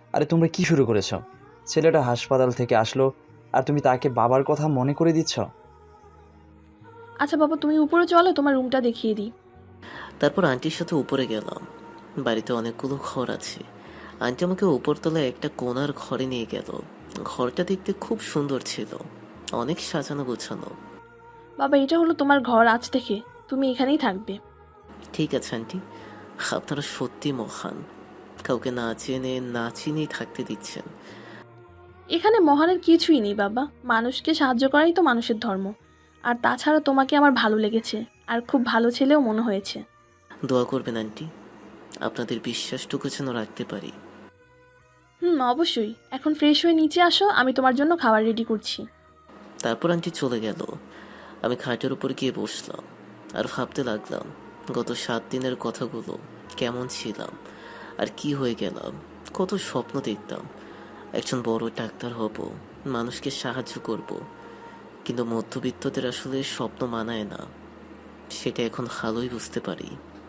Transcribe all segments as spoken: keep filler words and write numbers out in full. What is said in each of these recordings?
আরে তোমরা কি শুরু করেছো? ছেলেটা হাসপাতাল থেকে আসলো আর তুমি তাকে বাবার কথা মনে করে দিচ্ছ? আচ্ছা বাবা, তুমি উপরে চলো, তোমার রুমটা দেখিয়ে দিই। তারপর আন্টির সাথে উপরে গেলাম। বাড়িতে অনেকগুলো ঘর আছে। আন্টি আমাকে উপরতলায় একটা কোণার ঘরে নিয়ে গেল। ঘরটা দেখতে খুব সুন্দর ছিল, অনেক সাজানো গোছানো। বাবা, এটা হলো তোমার ঘর, আজ থেকে তুমি এখানেই থাকবে। ঠিক আছে আন্টি, আপনারা সত্যি মহান। কাউকে না চেনে না চিনেই থাকতে দিচ্ছেন। এখানে মহানের কিছুই নেই বাবা, মানুষকে সাহায্য করাই তো মানুষের ধর্ম। আর তাছাড়া তোমাকে আমার ভালো লেগেছে, আর খুব ভালো ছেলেও মনে হয়েছে। দোয়া করবেন আন্টি, আপনাদের বিশ্বাসটুকু যেন রাখতে পারি। হুম, অবশ্যই। এখন ফ্রেশ হয়ে নিচে আসো, আমি তোমার জন্য খাবার রেডি করছি। তারপর আন্টি চলে গেল। আমি খাটের উপর গিয়ে বসলাম আর ভাবতে লাগলাম গত সাত দিনের কথাগুলো। কেমন ছিলাম আর কি হয়ে গেলাম। কত স্বপ্ন দেখতাম, একজন বড় ডাক্তার হব, মানুষকে সাহায্য করব। কিন্তু মধ্যবিত্তদের আসলে স্বপ্ন মানায় না, সেটা এখন ভালোই বুঝতে পারি।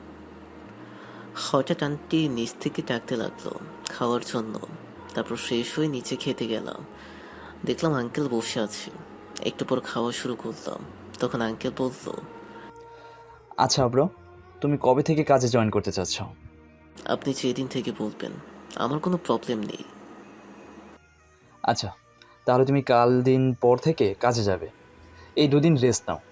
হঠাৎ আন্টি নিচ থেকে ডাকতে লাগলো খাওয়ার জন্য। তারপর ফ্রেশ হয়ে নিচে খেতে গেলাম। দেখলাম আঙ্কেল বসে আছে। একটু পর খাওয়া শুরু করলাম। তখন আঙ্কেল বলল, আচ্ছা ব্রো, তুমি কবে থেকে কাজে জয়েন করতে চাচ্ছ? আপনি যেদিন থেকে বলবেন, আমার কোনো প্রবলেম নেই। আচ্ছা, তাহলে তুমি কাল দিন পর থেকে কাজে যাবে। এই দুদিন রেস্ট নাও।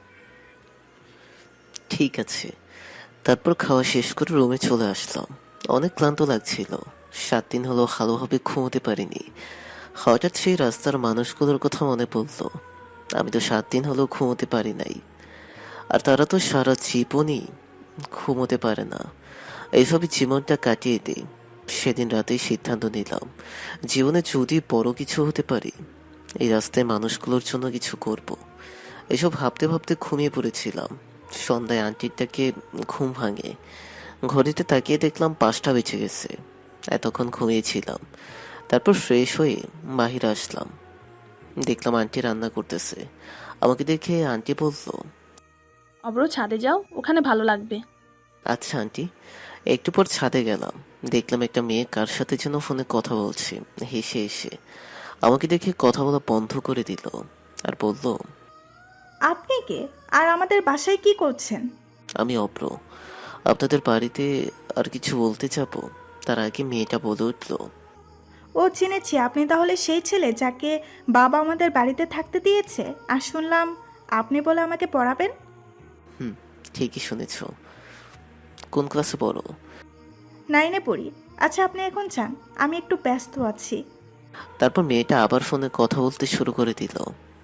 ঠিক আছে। তারপর খাওয়া শেষ করে রুমে চলে আসলাম। অনেক ক্লান্ত লাগছিল। সাত দিন হলো ভালোভাবে ঘুমোতে পারিনি। হঠাৎ সেই রাস্তার মানুষগুলোর কথা মনে পড়ল। আমি তো সাত দিন হলো ঘুমোতে পারি নাই, আর তারা তো সারা জীবনই ঘুমোতে পারে না। এইভাবে জীবনটা কাটিয়ে দিই। সেদিন রাতেই সিদ্ধান্ত নিলাম, জীবনে যদি বড় কিছু হতে পারি, এই রাস্তায় মানুষগুলোর জন্য কিছু করব। এসব ভাবতে ভাবতে ঘুমিয়ে পড়েছিলাম। সন্ধ্যায় আন্টিটাকে ঘুম ভাঙে। ঘড়িতে তাকিয়ে দেখলাম পাঁচটা বেজে গেছে। এতক্ষণ ঘুমিয়েছিলাম। তারপর ফ্রেশ হয়ে বাহিরে আসলাম। দেখলাম আন্টি রান্না করতেছে। আমাকে দেখে আন্টি বলল, অব্র, ছাদে যাও, ওখানে ভালো লাগবে। আচ্ছা আন্টি। একটু পর ছাদে গেলাম। দেখলাম একটা মেয়ে কার সাথে যেন ফোনে কথা বলছে। হেসে এসে আমাকে দেখে কথা বলা বন্ধ করে দিল আর বলল, আপনি কে? আর আমাদের বাসায় কি করছেন? আমি অপ্র, আপনাদের বাড়িতে আর কিছু বলতে যাবো। তার আগে মেয়েটা বলে উঠল, ও, চিনেছি। আপনি তাহলে সেই ছেলে যাকে বাবা আমাদের বাড়িতে থাকতে দিয়েছে। আর শুনলাম আপনি বলে আমাকে পড়াবেন। হুম, ঠিকই শুনেছ। কোন ক্লাসে পড়ো? নাইনে পড়ি। আচ্ছা, আপনি এখন যান, আমি একটু ব্যস্ত আছি। তারপর মেয়েটা আবার ফোনে কথা বলতে শুরু করে দিল।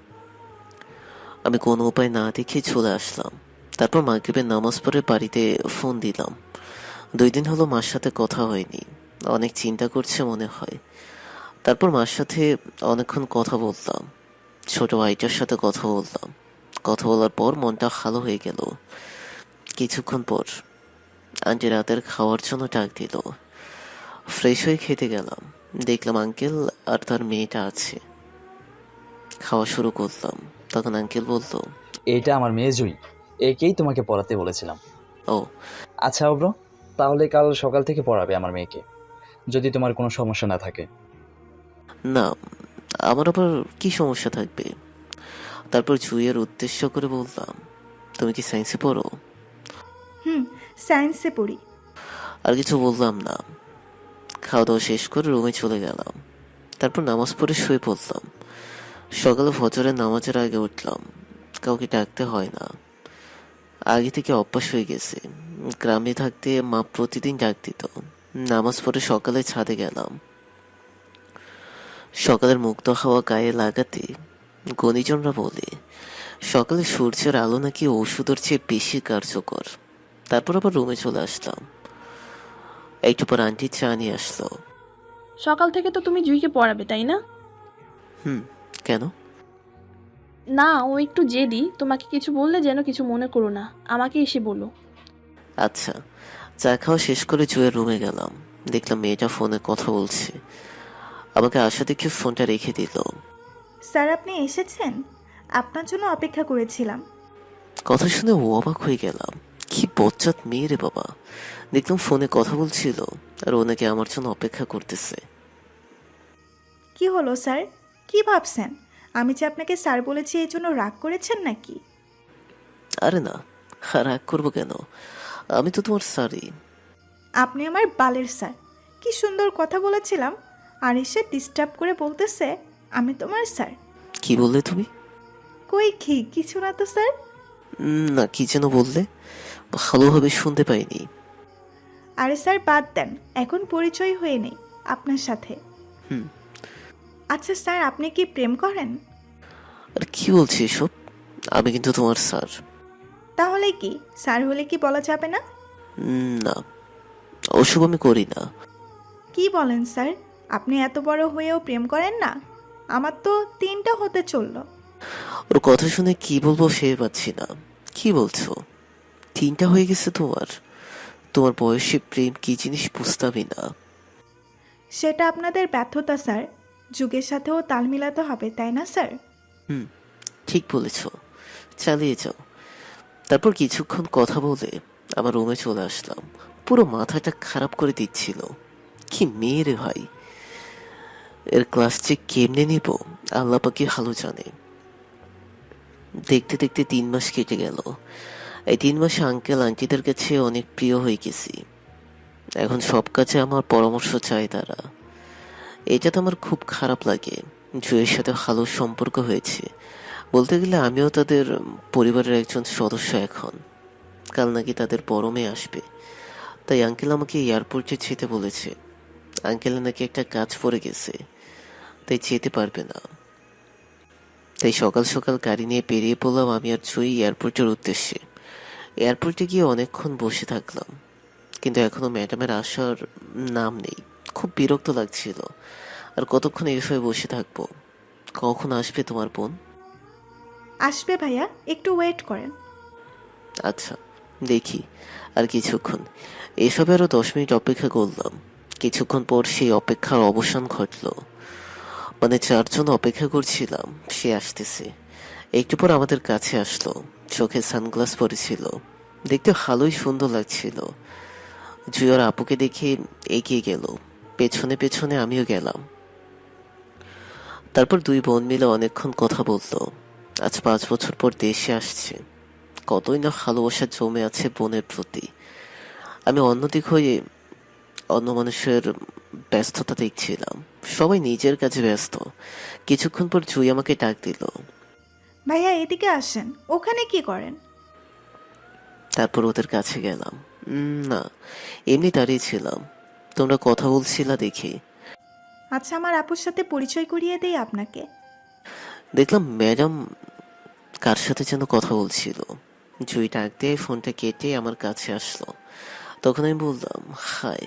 আমি কোনো উপায় না দেখে চলে আসলাম। তারপর মাগরিবের নামাজ পড়ে বাড়িতে ফোন দিলাম। দুই দিন হলো মার সাথে কথা হয়নি। অনেক চিন্তা করছে মনে হয়। তারপর মার সাথে অনেকক্ষণ কথা বললাম। ছোট ভাইটার সাথে কথা বললাম। কথা বলার পর মনটা ভালো হয়ে গেল। কিছুক্ষণ পর আন্টি রাতের খাওয়ার জন্য ডাক দিল। ফ্রেশ হয়ে খেতে গেলাম। দেখলাম আঙ্কেল আর তার মেয়েটা আছে। খাওয়া শুরু করলাম। তখন আঙ্কেল বলল, এইটা আমার মেয়ে জুই, একেই তোমাকে পড়াতে বলেছিলাম। ও আচ্ছা ব্রো, তাহলে কাল সকাল থেকে পড়াবে আমার মেয়েকে, যদি তোমার কোনো সমস্যা না থাকে। না, আমার আবার কি সমস্যা থাকবে? তারপর জুইয়ের উদ্দেশ্য করে বললাম, তুমি কি সায়েন্সে পড়ো? হুম, সায়েন্সে পড়ি। আর কিছু বললাম না। খাওয়া দাওয়া শেষ করে রুমে চলে গেলাম। তারপর নামাজ পড়ে শুয়ে পড়লাম। সকালে ফজরের নামাজের আগে উঠলাম। কাউকে ডাকতে হয় না, আগে থেকে অভ্যাস হয়ে গেছে। গ্রামে থাকতে মা প্রতিদিন ডাক দিত। নামাজ পড়ে সকালে ছাদে গেলাম। সকালের মুক্ত হাওয়া গায়ে লাগাতে গুণীজনরা বলে সকালে সূর্যের আলো নাকি ওষুধের চেয়ে বেশি কার্যকর। তারপর আবার রুমে চলে আসলাম। একটু পর আন্টি চা নিয়ে আসলো। সকাল থেকে তো তুমি জুইকে পড়াবে, তাই না? হুম, কেন? না, ও একটু জেদি, তোমাকে কিছু বললে যেন কিছু মনে করো না, আমাকে এসে বলো। আচ্ছা। চা খাওয়া শেষ করে জুয়ের রুমে গেলাম। দেখলাম মেয়েটা ফোনে কথা বলছে। আমাকে আশা দেখে ফোনটা রেখে দিল। স্যার, আপনি এসেছেন? আপনার জন্য অপেক্ষা করেছিলাম। কথা শুনে ও অবাক হয়ে গেলাম। কি বজ্জাত মেয়ে রে বাবা! দেখলাম ফোনে কথা বলছিল আর ও নাকি আমার জন্য অপেক্ষা করতেছে। কি হলো স্যার? কি ভাবছেন? আমি যে আপনাকে স্যার বলেছি এই জন্য রাগ করেছেন নাকি? আরে না, রাগ করবো কেন? আমি তো তোমার স্যারই। আপনি আমার বালের স্যার। কি সুন্দর কথা বলেছিলাম, আর এসে ডিস্টার্ব করে বলতেছে আমি তোমার স্যার। কি বললে তুমি? কই কি কিছু না তো স্যার। উম, না, কি যেন বললে, ভালোভাবে শুনতে পাইনি। আরে স্যার বাদ দেন, এখন পরিচয় হয়ে নেই আপনার সাথে। হুম। আচ্ছা স্যার, আপনি কি প্রেম করেন? আর কি বলছি এসব? আমি কিন্তু তোমার স্যার। তাহলে কি স্যার হলে কি বলা যাবে না? উম, না, ওসব আমি করি না। কি বলেন স্যার? আপনি এত বড় হয়েও প্রেম করেন না? আমার তো তিনটা হতে চললো। ওর কথা শুনে কি বলবো ভেবে পাচ্ছি না। কি বলছো? তিনটা হয়ে গেছে তোমার? তোমার বয়সে প্রেম কি জিনিস বুঝতামই না। সেটা আপনাদের ব্যর্থতা স্যার। যুগের সাথেও তাল মিলাতে হবে, তাই না স্যার? হুম, ঠিক বলেছ, চালিয়ে যাও। তারপর কিছুক্ষণ কথা বলে আমার রুমে চলে আসলাম। পুরো মাথাটা খারাপ করে দিচ্ছিল। কি মেয়ে রে ভাই! এর ক্লাস যে কেমনে নিব আল্লাহ পাকি ভালো জানে। দেখতে দেখতে তিন মাস কেটে গেল। এই তিন মাসে আঙ্কেল আন্টিদের কাছে অনেক প্রিয় হয়ে গেছি। এখন সব কাজে আমার পরামর্শ চায় তারা। এটা তো আমার খুব খারাপ লাগে। জুয়ের সাথে ভালো সম্পর্ক হয়েছে, বলতে গেলে আমিও তাদের পরিবারের একজন সদস্য এখন। কাল নাকি তাদের বড় মেয়ে আসবে, তাই আঙ্কেল আমাকে এয়ারপোর্টে যেতে বলেছে। আঙ্কেলের নাকি একটা কাজ পড়ে গেছে, তাই যেতে পারবে না। তাই সকাল সকাল গাড়ি নিয়ে বেরিয়ে পড়লাম আমি আর জুই এয়ারপোর্টের উদ্দেশ্যে। এয়ারপোর্টে গিয়ে অনেকক্ষণ বসে থাকলাম, কিন্তু এখনো ম্যাডামের আসার নাম নেই। খুব বিরক্ত লাগছিল। আর কতক্ষণ এভাবে বসে থাকবো? কখন আসবে তোমার বোন? আসবে ভাইয়া, একটু ওয়েট করেন। আচ্ছা, দেখি। আর কিছুক্ষণ এসবে আরো দশ মিনিট অপেক্ষা করলাম। কিছুক্ষণ পর সেই অপেক্ষার অবসান ঘটলো। মানে চারজন অপেক্ষা করছিলাম, সে আসতেছে। একটু পর আমাদের কাছে আসলো। চোখে সানগ্লাস পরেছিল, দেখতে ভালোই সুন্দর লাগছিল। জুয়ার আপুকে দেখে এগিয়ে গেল, পেছনে পেছনে আমিও গেলাম। তারপর দুই বোন মিলে অনেকক্ষণ কথা বললো। আজ পাঁচ বছর পর দেশে আসছে, কতই না ভালোবাসা জমে আছে বোনের প্রতি। আমি অন্যদিক হয়ে অন্য মানুষের ব্যস্ততা দেখছিলাম। সবাই নিজের কাজে ব্যস্ত। কিছুক্ষণ পর জুই আমাকে ডাক দিল। ভাইয়া এদিকে আসেন, ওখানে কি করেন? তারপর ওদের কাছে গেলাম। উম, না, এমনি দাঁড়িয়ে ছিলাম। তোমরা কথা বলছিলা দেখি। আচ্ছা, আমার আপুর সাথে পরিচয় করিয়ে দেই আপনাকে। দেখলাম ম্যাডাম কার সাথে যেন কথা বলছিল। জুই ডাক দিয়ে ফোনটা কেটে আমার কাছে আসলো। তখন আমি বললাম, হাই,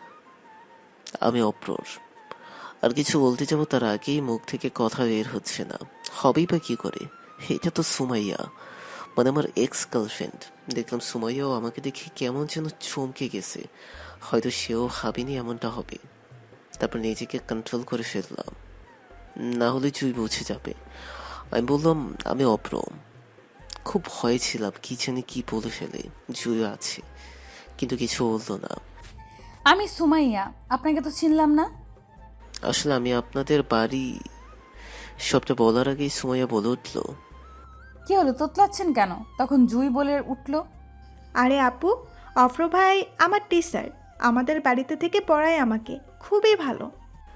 আমি অপ্রর। আর কিছু বলতে যাবো তার আগেই মুখ থেকে কথা বের হচ্ছে না। হবেই বা কি করে? এটা তো সুমাইয়া, মানে আমার এক্স গার্লফ্রেন্ড। দেখলাম সুমাইয়াও আমাকে দেখে কেমন যেন চমকে গেছে। হয়তো সেও ভাবেনি এমনটা হবে। তারপর নিজেকে কন্ট্রোল করে ফেললাম, না হলে জুই বুঝে যাবে। আমি বললাম আমি অপ্রম। খুব ভয়ে ছিলাম কি জানি কি বলে ফেলে। জুইও আছে, কিন্তু কিছু বললো না। আমি সুমাইয়া, আপনাকে তো চিনলাম না। আসলে আমি আপনাদের বাড়ি, সবটা বলার আগেই সুমাইয়া বলে উঠলো, কি হলো, তোতলাচ্ছেন কেন? তখন জুই বলে উঠলো, আরে আপু, অফ্র ভাই আমার টিচার, আমাদের বাড়িতে থেকে পড়ায় আমাকে, খুবই ভালো।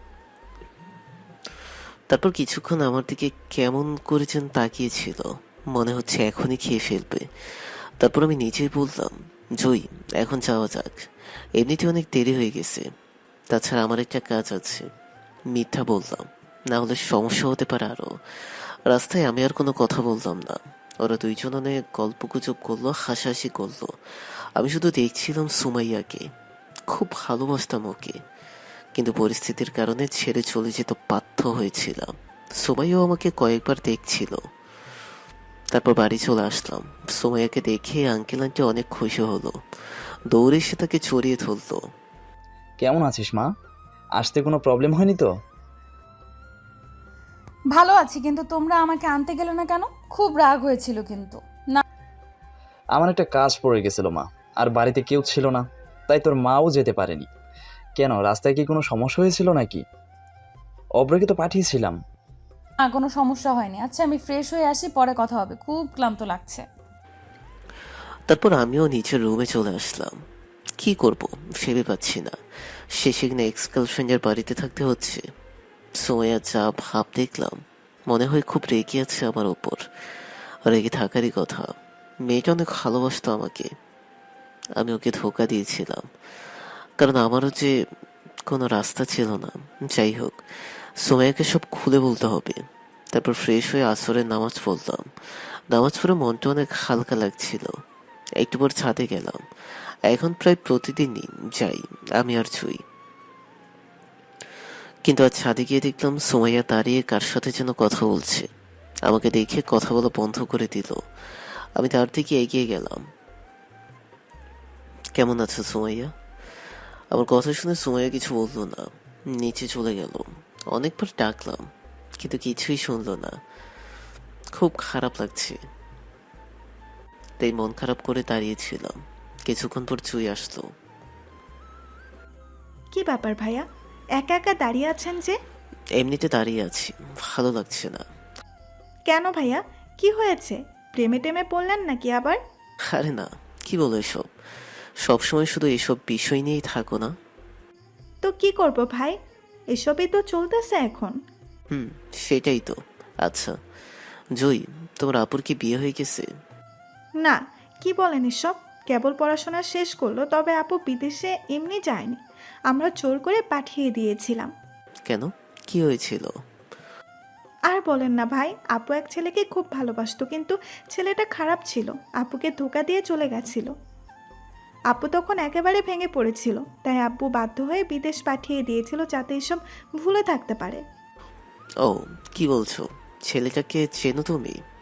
তারপর কিছুক্ষণ আমার দিকে কেমন করে যেন তাকিয়েছিল, মনে হচ্ছে এখনই খেয়ে ফেলবে। তারপর আমি নিজেই বললাম, জুই এখন যাওয়া যাক, এমনিতে অনেক দেরি হয়ে গেছে। তাছাড়া আমার একটা কাজ আছে। মিথ্যা বললাম, না হলে সমস্যা হতে পারে আরো। রাস্তায় আমি আর কোনো কথা বললাম না। ওরা দুইজন অনেক গল্প গুজব করলো, হাসাহাসি করলো। আমি শুধু দেখছিলাম সুমাইয়াকে। খুব ভালোবাসতাম ওকে, কিন্তু পরিস্থিতির কারণে ছেড়ে চলে যেতে বাধ্য হয়েছিলাম। সুমাইয়াও আমাকে কয়েকবার দেখছিল। তারপর বাড়ি চলে আসলাম। সুমাইয়াকে দেখে আঙ্কেল আন্টি অনেক খুশি হলো, দৌড়ে এসে তাকে চড়িয়ে ধরলো। কেমন আছিস মা? আসতে কোনো প্রবলেম হয়নি তো? ভালো আছি, কিন্তু তোমরা আমাকে আনতে গেলে না কেন? খুব রাগ হয়েছিল কিন্তু। না, আমার একটা কাজ পড়ে গেছিল মা, আর বাড়িতে কেউ ছিল না, তাই তোর মাও যেতে পারেনি। কেন, রাস্তায় কি কোনো সমস্যা হয়েছিল নাকি? অব্রকে তো পাঠিয়েছিলাম। না কোনো সমস্যা হয়নি। আচ্ছা আমি ফ্রেশ হয়ে আসি, পরে কথা হবে, খুব ক্লান্ত লাগছে। তারপর আমিও নিচের রুমে চলে আসলাম। কি করব ভেবে পাচ্ছি না। শেষে কিনা এক্স গার্লফ্রেন্ডের বাড়িতে থাকতে হচ্ছে। সোয়া যা ভাব দেখলাম, মনে হয় খুব রেগে আছে আমার ওপর। রেগে থাকারই কথা। মেয়েটা অনেক ভালোবাসতো আমাকে। আমি ওকে ধোকা দিয়েছিলাম, কারণ আমারও যে কোনো রাস্তা ছিল না। যাই হোক, সোমাইয়াকে সব খুলে বলতে হবে। তারপর ফ্রেশ হয়ে আসরের নামাজ পড়লাম। নামাজ পড়ে মনটা অনেক হালকা লাগছিল। একটু পর ছাদে গেলাম। এখন প্রায় প্রতিদিনই যাই আমি আর জুই। কিন্তু আজ ছাদে গিয়ে দেখলাম সোমাইয়া দাঁড়িয়ে কার সাথে যেন কথা বলছে। আমাকে দেখে কথা বলা বন্ধ করে দিল। আমি তার দিকে এগিয়ে গেলাম। কেমন আছো সোমাইয়া? আমার কথা শুনে সোমাইয়া কিছু বললো না, নিচে চলে গেল। অনেকবার ডাকলাম কিন্তু কিছুই শুনলো না। খুব খারাপ লাগছে, তাই মন খারাপ করে দাঁড়িয়েছিলাম। কিছুক্ষণ পর জুই আসলো। কি ব্যাপার ভাইয়া, একা একা দাঁড়িয়ে আছেন যে? এমনিতে দাঁড়িয়ে আছি, ভালো লাগছে না। কেন ভাইয়া, কি হয়েছে? প্রেমে টেমে পড়লেন নাকি আবার? আরে না, কি বলো এসব? সবসময় শুধু এসব বিষয় নিয়েই থাকো না। তো কি করব ভাই, এসবই তো চলতেছে এখন। হুম, সেটাই তো। আচ্ছা জুই, তোমার আপুর কি বিয়ে হয়ে গেছে? না, কি বলেন এসব? কেবল পড়াশোনা শেষ করলো, তবে আপু বিদেশে এমনি যায়নি, আমরা জোর করে পাঠিয়ে দিয়েছিলাম। কেন, কি হয়েছিল? আর বলেন না ভাই, আপু এক ছেলেকে খুব ভালোবাসতো, কিন্তু ছেলেটা খারাপ ছিল, আপুকে ধোকা দিয়ে চলে গেছিল। আপু তখন একেবারে ভেঙে পড়েছিল, তাই আব্বু বাধ্য হয়ে বিদেশ পাঠিয়ে দিয়েছিল যাতে এসব ভুলে থাকতে পারে। ও, কি বলছো? ছেলেটাকে চেনো তুমি?